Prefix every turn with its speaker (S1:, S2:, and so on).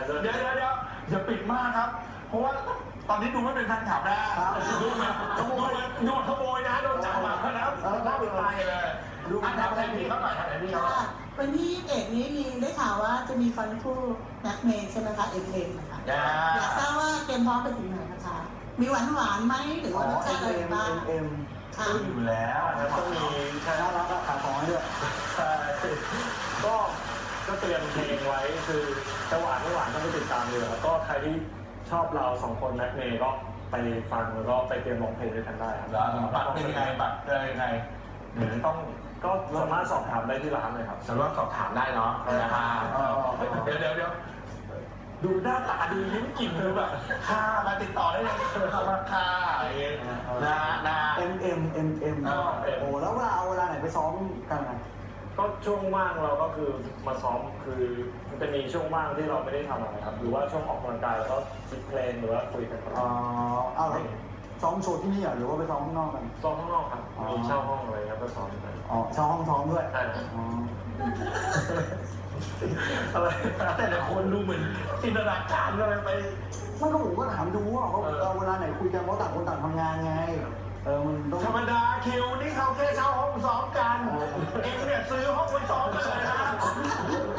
S1: เดี๋ยวอย่าปิดมากครับเพราะว่าตอนนี้ดูไม่เป็นแฟนคลับนะดูแบบขโมยนะโดนจับมาแล้วน่าเป็นตายเลยดูอันดับแรกนี่เขาหน่อยครับนี่ครับ
S2: วันที่21นี้มีได้ข่าวว่าจะมีฟันคู่แม็กเมย์ใช่ไหมคะเอ็มนะคะอยากทราบว่าเตรียมพร้อมไปถึงไหนนะคะมีหวานไหมหรือว่ารสชาติอะไรบ้าง
S1: ค่ะอยู่แล้ว
S3: ต้องมีชาแนลรับขายของให้ด้วยก็เตรียมเพลงไว้คือจะหวานไม่หวานต้องไปติดตามเลยแล้วก็ใครที่ชอบเรา2 คนแม็กเมย์ก็ไปฟังแล้วก็ไปเตรียมร้องเพลงด้วยกันได้ครับ
S1: บัตรเป็นยังไงบัตรเป็นยังไงหรือต้อง
S3: ก็สามารถสอบถามได้ที่ร้านเลยครับ
S1: สามารถสอบถามได้เนาะนะครับเดี๋ยวดูหน้าตาดูยิ้มกลิ่นดูแบบค่ามาติดต่อได้เลยราคาอะไรเงี้ยนะ
S4: โอ้แล้วเวลาไหนไปซ้อมกันนะ
S3: ก็ช่วงว่างเราก็คือมาซ้อมคือมันจะมีช่วงว่างที่เราไม่ได้ทำอะไรครับหรือว่าช่วงออกกำลังกายแล้วก็คิดเพลงหรือว่าคุยกัน
S4: เอาแล้วซ้อมโชว์ที่นี่หรือว่าไปซ้อมข้างนอกกัน
S3: ซ้อมข้างนอกครับมีเช่าห้องอะไรครับก็ซ้อมกัน
S4: เช่าห้องซ้อมด้วย
S3: ใช่
S1: อะไรแต่ละคนดูเหมือนจินตนาการอะไรไป
S4: มันก็ผมก็ถามดูว่าเวลาไหนคุยกันเพราะต่างคนต่างทำงานไงมันต้อง
S1: ธรรมดาคิวนี่เขาแค่เช่าห้องซ้อมกันเองเนี่ยซื้อห้องไปซ้อมกันเลยนะ